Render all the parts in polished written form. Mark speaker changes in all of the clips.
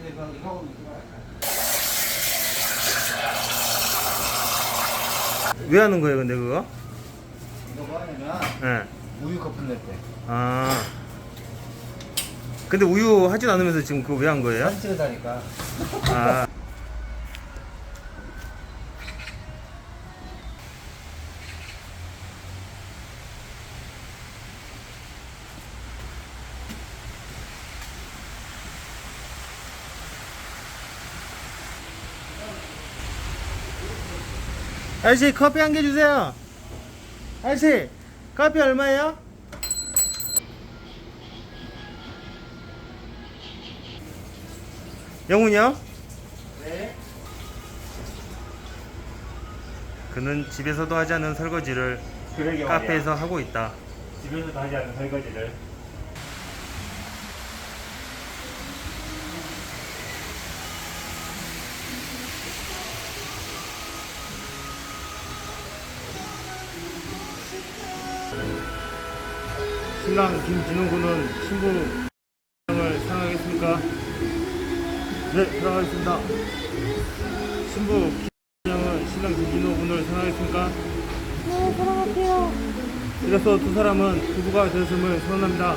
Speaker 1: 왜 하는 거예요, 근데 그거?
Speaker 2: 이거 뭐 하냐면
Speaker 1: 네.
Speaker 2: 우유 거품 낼 때.
Speaker 1: 아. 근데 우유 하진 않으면서 지금 그거 왜 한 거예요?
Speaker 2: 사진 찍어다니까.
Speaker 1: 아. 아저씨 커피 한 개 주세요. 아저씨 커피 얼마예요? 영훈이요?
Speaker 2: 네.
Speaker 1: 그는 집에서도 하지 않는 설거지를
Speaker 3: 그러게
Speaker 1: 카페에서
Speaker 3: 말이야.
Speaker 1: 하고 있다.
Speaker 3: 집에서도 하지 않는 설거지를.
Speaker 1: 신랑 김진웅 군은 신부 을 사랑하겠습니까? 네, 사랑하겠습니다. 신부 김진웅은 신랑 김진웅 군을 사랑하겠습니까?
Speaker 4: 네, 사랑할게요.
Speaker 1: 이로써 두 사람은 부부가 되었음을 선언합니다.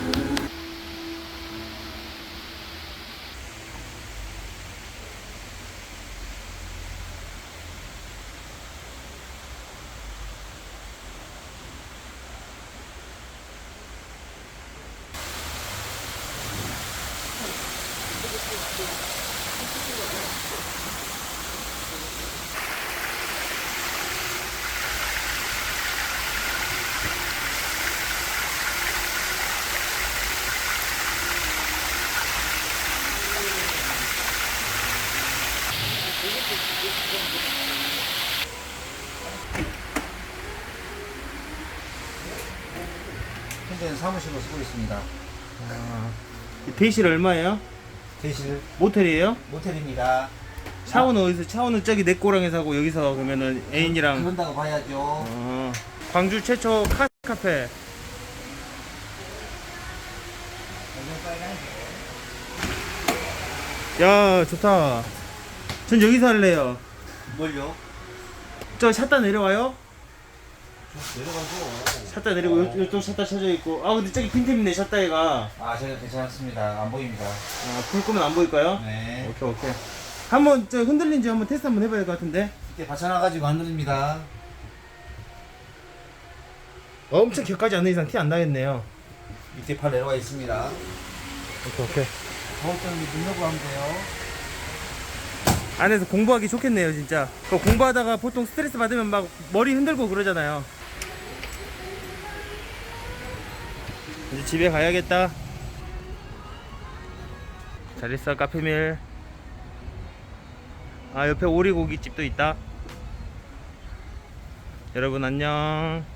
Speaker 2: 현재는 사무실로 쓰고 있습니다.
Speaker 1: 대실 얼마예요?
Speaker 2: 대실
Speaker 1: 모텔이에요?
Speaker 2: 모텔입니다.
Speaker 1: 샤워는 어디서? 샤워는 저기 내 꼬랑에서 하고 여기서 그러면은 애인이랑
Speaker 2: 그런다고 봐야죠.
Speaker 1: 광주 최초 카페. 야 좋다. 전 여기서 할래요.
Speaker 2: 뭘요?
Speaker 1: 저 샷다 내려와요?
Speaker 2: 내려가죠.
Speaker 1: 샷다 내리고 이쪽 샷다 쳐져 있고. 아 근데 저기 빈틈이네 샷다이가.
Speaker 2: 아, 저희 괜찮습니다. 안 보입니다.
Speaker 1: 불 끄면 안 보일까요?
Speaker 2: 네.
Speaker 1: 오케이. 한번 저 흔들린지 한번 테스트 한번 해봐야 될 것 같은데.
Speaker 2: 이렇게 받쳐놔가지고 안 누릅니다.
Speaker 1: 엄청 격하지 않는 이상 티 안 나겠네요.
Speaker 2: 밑에 팔 내려와 있습니다.
Speaker 1: 오케이.
Speaker 2: 더울 때는 눈 열고 하면 돼요.
Speaker 1: 안에서 공부하기 좋겠네요 진짜. 그 공부하다가 보통 스트레스 받으면 막 머리 흔들고 그러잖아요. 이제 집에 가야겠다. 잘 있어 카페밀. 아 옆에 오리고기집도 있다. 여러분 안녕.